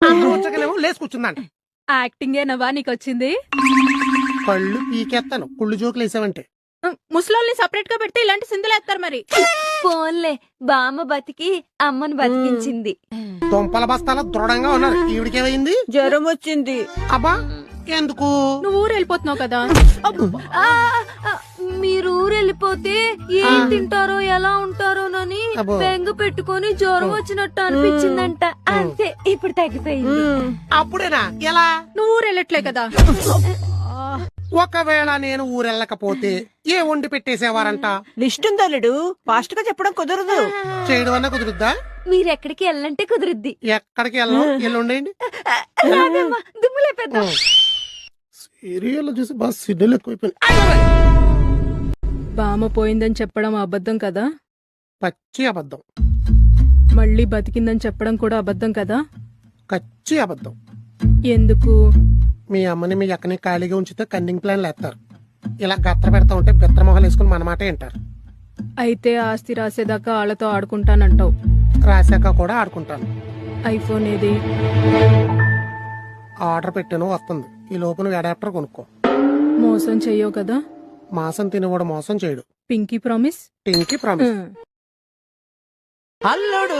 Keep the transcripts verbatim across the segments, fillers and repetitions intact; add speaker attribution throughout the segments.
Speaker 1: వచ్చకనేమో లేచి కూర్చుందంట.
Speaker 2: యాక్టింగ్ ఏనవా నీకొచ్చింది?
Speaker 1: కళ్ళు పీకేస్తాను కుళ్ళు జోకులు వేసావంటే.
Speaker 2: ముసలోల్ని సపరేట్ గా పెడితే ఇలాంటి సిందులు వేస్తారు మరి.
Speaker 3: ఫోన్లే బామ్మ బతికి అమ్మను బతికించింది.
Speaker 1: దుంపల బస్తాల దృఢంగా ఉన్నారు. ఈవిడికేమైంది?
Speaker 4: జ్వరం వచ్చింది.
Speaker 1: అబ్బా ఎందుకు?
Speaker 2: నువ్వు ఊరు వెళ్ళిపోతున్నావు కదా.
Speaker 3: ఆ, ఆ, మీరు ఊరు వెళ్ళిపోతే ఏం తింటారో ఎలా ఉంటారోనని
Speaker 1: అబ్బో.
Speaker 3: బెంగ పెట్టుకొని జ్వరం వచ్చినట్టు అనిపించిందంట. అంతే, ఇప్పుడు తగ్గిపోయింది.
Speaker 1: అప్పుడేనా? ఎలా?
Speaker 2: నువ్వు ఊరు వెళ్ళట్లే కదా.
Speaker 1: ఒకవేళ నేను ఊరెళ్ళకపోతే ఏ వండి పెట్టేసేవారంట?
Speaker 4: లిస్ట్ ఉందల్లుడు, ఫాస్ట్ గా చెప్పడం కుదరదు.
Speaker 1: చేయడం అన్నా కుదురుద్దా?
Speaker 3: మీరెక్కడికి వెళ్ళంటే కుదురుద్ది.
Speaker 1: ఎక్కడికి వెళ్ళను, ఎల్లు ఉండేయండి.
Speaker 3: రాదమ్మా, దుమ్ములే పెద్ద.
Speaker 1: సీరియల్ చూసి బాగా సిడ్డలు ఎక్కువైపోయింది.
Speaker 2: బామ్మ పోయిందని చెప్పడం అబద్ధం కదా.
Speaker 1: పచ్చి అబద్ధం.
Speaker 2: మళ్ళీ బతికిందని చెప్పడం కూడా అబద్ధం కదా.
Speaker 1: కచ్చి అబద్ధం.
Speaker 2: ఎందుకు?
Speaker 1: మీ అమ్మని మీ అక్కని ఖాళీగా ఉంచితే కన్నింగ్ ప్లాన్లు వేస్తారు. ఇలా గత్ర పెడతా ఉంటే బెత్ర మొహాలు వేసుకుని మన మాట వింటారు.
Speaker 2: అయితే ఆస్తి రాసేదాకా వాళ్ళతో ఆడుకుంటానంటావు.
Speaker 1: రాశాక కూడా ఆడుకుంటాను.
Speaker 2: ఐఫోన్ ఏది?
Speaker 1: ఆర్డర్ పెట్టాను, వస్తుంది. ఈ లోపున అడాప్టర్ కొనుక్కో.
Speaker 2: మోసం చెయ్యవు కదా.
Speaker 1: మాసం తినేవాడు మోసం చేయడు.
Speaker 2: Pinky promise.
Speaker 1: Pinky promise.
Speaker 4: అల్లుడు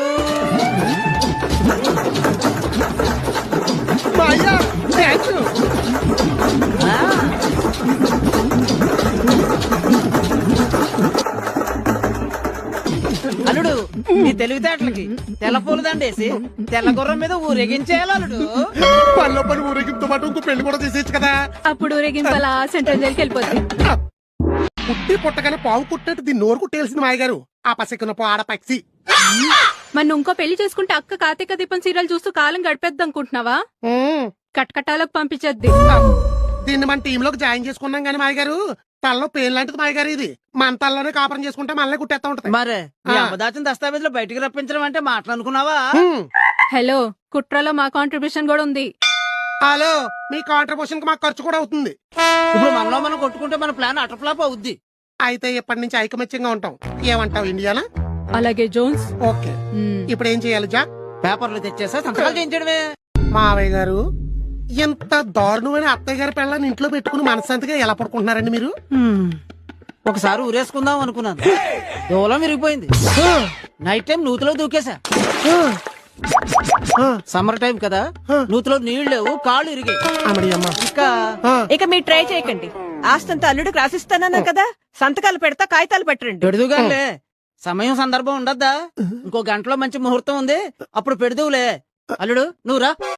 Speaker 4: అల్లుడు నీ తెలివితేటలకి తెల్ల పూల దండేసి తెల్ల గుర్రం మీద ఊరేగించేయాలి అల్లుడు.
Speaker 1: పనిలో పని ఊరేగింపుతో పాటు ఇంకో పెళ్లి కూడా చేసేయచ్చు కదా.
Speaker 2: అప్పుడు ఊరేగింపలా సెంట్రల్ జైలుకి వెళ్ళిపోతుంది.
Speaker 1: పుట్టి పుట్టగానే పావు పుట్టినట్టు దీన్ని నోరు కుట్టేసింది మాయగారు. ఆ పసికున్న ఆడ పక్షి.
Speaker 2: మరి ఇంకో పెళ్లి చేసుకుంటే అక్క కార్తీక దీపం సీరియల్ చూస్తూ కాలం గడిపేద్ది అనుకుంటున్నావా? కట్కటాలకు పంపించద్ది.
Speaker 1: దీన్ని మన టీమ్ లోకి జాయిన్ చేసుకున్నాం గానీ మాయగారు, తలలో పేరు లాంటిది మాయగారు. ఇది మన తలలోనే కాపురం చేసుకుంటే మనల్ని కుట్టేస్తా ఉంటది.
Speaker 4: మరే నీ అమ్మదాచిన దస్తావేజులు బయటికి రప్పించడం అంటే మాట్లాడుకున్నావా?
Speaker 2: హలో, కుట్రలో మా కాంట్రిబ్యూషన్ కూడా ఉంది.
Speaker 1: హలో, మీ కాంట్రిబ్యూషన్ కి మాకు ఖర్చు కూడా అవుతుంది.
Speaker 4: ఇప్పుడు మనలో మనం కొట్టుకుంటే మన ప్లాన్ అటర్ఫ్లాప్ అవుద్ది.
Speaker 1: అయితే ఇప్పటి నుంచి ఐకమత్యంగా ఉంటాం. ఏమంటావు ఇండియానా?
Speaker 2: అలాగే జోన్స్.
Speaker 1: ఓకే, ఇప్పుడు ఏం చేయాలి జాక్?
Speaker 4: పేపర్లు తెచ్చేసా సంతకాలు చేయించడమే.
Speaker 1: మావయ్య గారు, ఎంత దారుణమైన అత్తయ్య గారి పిల్లల్ని ఇంట్లో పెట్టుకుని మనశ్శాంతిగా ఎలా పడుకుంటున్నారండి మీరు?
Speaker 4: ఒకసారి ఊరేసుకుందాం అనుకున్నాను, దూలం విరిగిపోయింది. నైట్ టైం నూతిలో దూకేసా. సమ్మర్ టైం కదా, నూతిలో నీళ్లు లేవు, కాళ్ళు ఇరిగాయి. ఇంకా
Speaker 5: ఇక మీరు ట్రై చేయకండి. ఆస్తంతా అల్లుడికి రాసిస్తానన్నా కదా, సంతకాలు పెడతా, కాగితాలు పెట్టండి.
Speaker 4: పెడుదుగానే సమయం సందర్భం ఉండద్దా? ఇంకో గంటలో మంచి ముహూర్తం ఉంది, అప్పుడు పెడుదువులే. అల్లుడు నువ్వు రా.